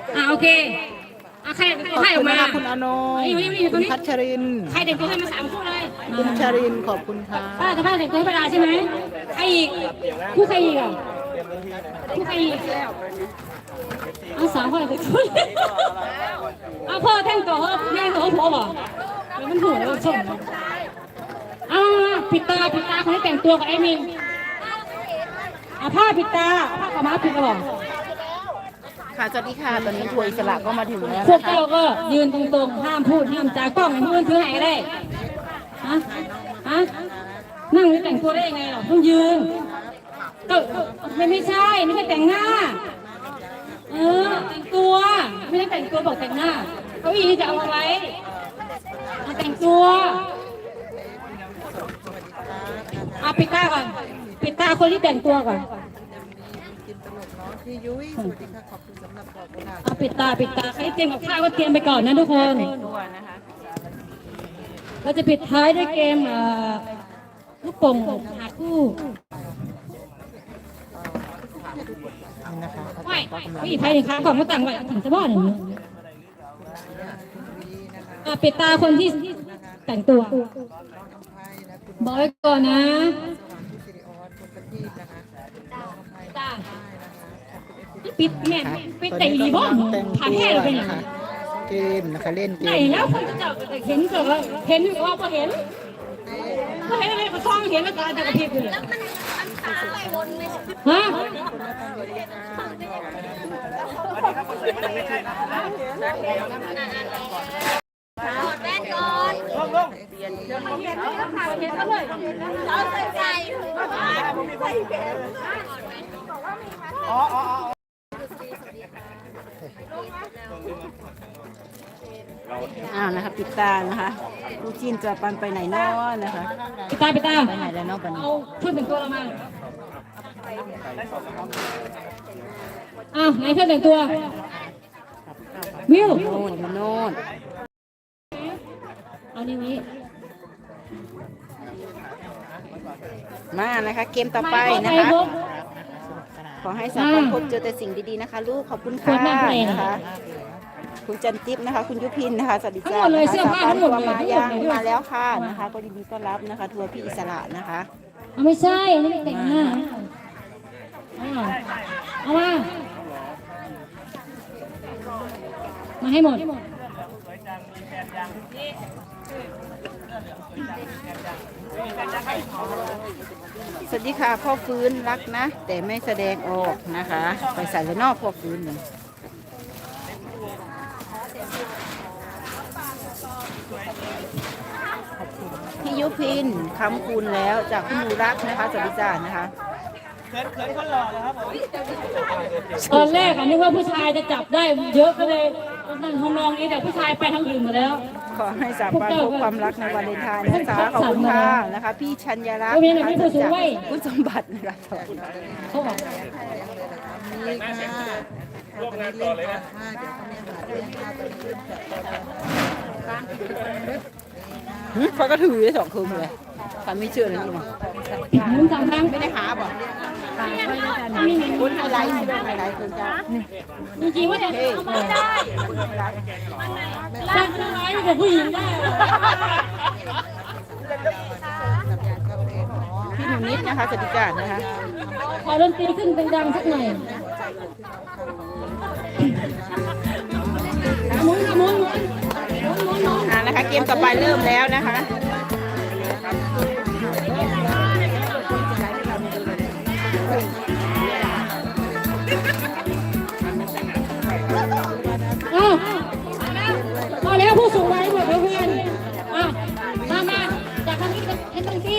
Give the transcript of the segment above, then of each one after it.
โอเคใครให้ออกมาคุณอนงคุณพัชรินใครแต่งตัวให้มา3 คู่เลยคุณชรินขอบคุณค่ะป้ากับป้าแต่งตัวให้ป้าดาใช่ไหมใครอีกคู่ใครอีกอ่ะคู่ใครอีกเอา3 คนแต่งตัวเอาพ่อแต่งตัวแม่ตัวพ่อบอกมันถูกแล้วชมปิดตาคนที่แต่งตัวกับไอ้มินผ้าปิดตาผ้าขาวม้าปิดกระบอกค่ะสวัสดีค่ะตอนนี้ทัวร์อิสระก็มาถึงแล้วพวกเราก็ยืนตรงๆห้ามพูดห้ามจากล้องให้มือถือหายได้นั่งนี่แต่งตัวได้ยังไงหรอต้องยืนก็ไม่ใช่แต่งหน้าแต่งตัวไม่ได้แต่งตัวบอกแต่งหน้าเก้าอี้จะเอาไว้แต่งตัวปิดตาก่อนปิดตาคนที่แต่งตัวก่อนพี่ยุ้ยสวัสดีค่ะขอบคุณสำหรับดอกกุหลาบปิดตาใครเตรียมกับข้าวก็เตรียมไปก่อนนะทุกคนเราจะปิดท้ายด้วยเกมลูกโป่งหาคู่ไม่ผู้ไทยค้างของมาต่างไว้ถึงจะบ้านอย่างนี้ปิดตาคนที่แต่งตัวบอกไว้ก่อนนะปิดแม่ปิดแต่งดีบ้างผ่านแค่เลยเป็นยังไงเกมนะคะเล่นเกมไหนแล้วคนจะเห็นเกิดเห็นว่าพอเห็นอะไรก็ซ่องเห็นแล้วก็จะกระพริบอยู่เลยฮะแม่ก่อนเห็นเขาเลยเราใส่ใจนะคะปิดตานะคะผู้จีนจะปันไปไหนนอนนะคะปิดตาไปไหนแล้วนอกปันเอาชุดแต่งตัวเรามาไหนชุดแต่งตัววิวโน่นอยู่โน่นเอานี่มานะคะเกมต่อไปนะคะขอให้สาวคนพบเจอแต่สิ่งดีๆนะคะลูกขอบคุณค่ะนะคะคุณจันทิพย์นะคะคุณยุพินนะคะสวัสดีจ้าสาวบ้านทัวร์มาแล้วค่ะนะคะก็ยินดีต้อนรับนะคะทัวร์พี่อิสระนะคะไม่ใช่ไม่ได้แต่งหน้าเอามาให้หมดสวัสดีค่ะพ่อฟื้นรักนะแต่ไม่แสดงออกนะคะไปใส่เลยนอกพ่อฟื้นหนึ่งพี่ยุพินคำคูณแล้วจากคุณหนูรักนะคะสวัสดีจ้านะคะตอนแรกนึกว่าผู้ชายจะจับได้เยอะก็เลยนั่นทำนองนี้แต่ผู้ชายไปทางอื่นมาแล้วขอให้สาวบ้านพบความรักในวันเลนไทน์นะคะขอบคุณค่ะนะคะพี่ชัญญาลักษณ์นะคะจากคุณสมบัตินะคะเขาบอกนี่ค่ะร่วมงานต่อเลยนะเขาก็ถือได้2 คืนเลยทำไม่เชื่อเลยนี่มึงสั่งทางไม่ได้หาบ่คุณไฮไลท์ใช่ไหมไฮไลท์คุณจ้าจริงๆว่าจะเอามาได้สั่งทางไหนกับผู้หญิงได้พี่หนูนิดนะคะสวัสดีจ้านะคะขอดนตรีขึ้นดังๆสักหน่อยมุ้งนะคะเกมต่อไปเริ่มแล้วนะคะพอแล้วผู้สูงวัยหมดแล้วเพื่อนมาจากทางนี้ให้ตรงที่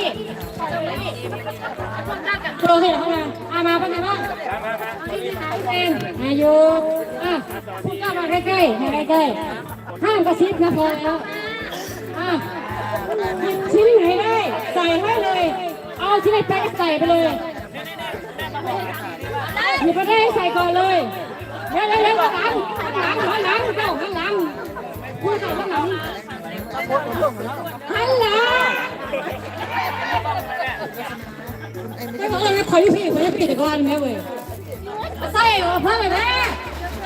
โชว์ให้เข้ามาเป็นไงบ้างอายุพูดเข้ามาใกล้ๆห้ามกระซิบนะพอแล้วชิ้นไหนได้ใส่ให้เลยเอาชิ้นไหนแป๊ะใส่ไปเลยหยิบไปได้ใส่ก่อนเลยเร็วข้างหลังเจ้าข้างหลังพูดข้างหลังไม่บอกเลยขอยุพี่ก่อนแม่เว้ยใส่เพิ่มไปแม่